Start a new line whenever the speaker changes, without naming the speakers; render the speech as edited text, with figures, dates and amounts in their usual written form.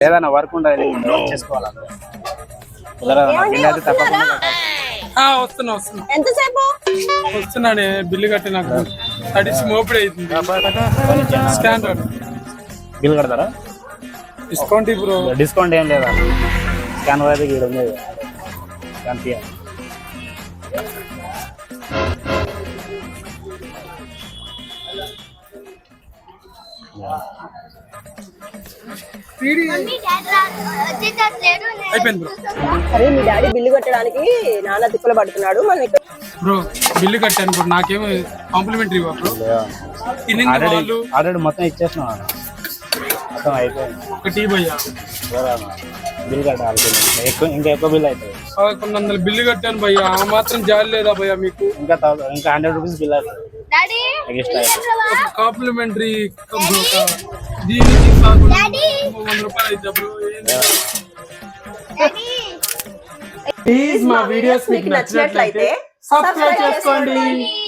ఏదైనా వర్క్ ఉండాలి చేసుకోవాలి.
వస్తున్నా ఎంతసేపు వస్తున్నానే బిల్లు కట్టి నాకు తడిసి మోపిడి అవుతుంది. స్కాన్
బిల్ కడతారా?
డిస్కౌంట్ ఇప్పుడు
డిస్కౌంట్ ఏం లేదా? స్కాన్ అయితే ఇక్కడ ఉండేది స్కాన్ తీయాలి.
అయిపోయింది
అరే మీ డాడీ బిల్లు కట్టడానికి నాన్న తిప్పలు పడుతున్నాడు. మనం
బ్రో బిల్లు కట్టాను బ్రో, నాకేమో కాంప్లిమెంటరీ ఇవ్వ బ్రో.
ఆల్రెడీ మొత్తం ఇచ్చేసిన మొత్తం అయిపోయింది.
ఒక టీ భయ్యా
బిల్ కట్టాలి. ఇంకా ఎక్కువ బిల్ అవుతుంది.
1100 బిల్లు కట్టాను భయ్యా, ఆ మాత్రం జాలి లేదా భయ్యా మీకు?
ఇంకా 100 రూపీస్ బిల్ అవుతుంది.
కాంప్లిమెంటరీ దీనికి 100 రూపాయలు అయితే బ్రో.
ప్లీజ్ మా వీడియోస్ మీకు నచ్చినట్లయితే సబ్స్క్రైబ్ చేసుకోండి.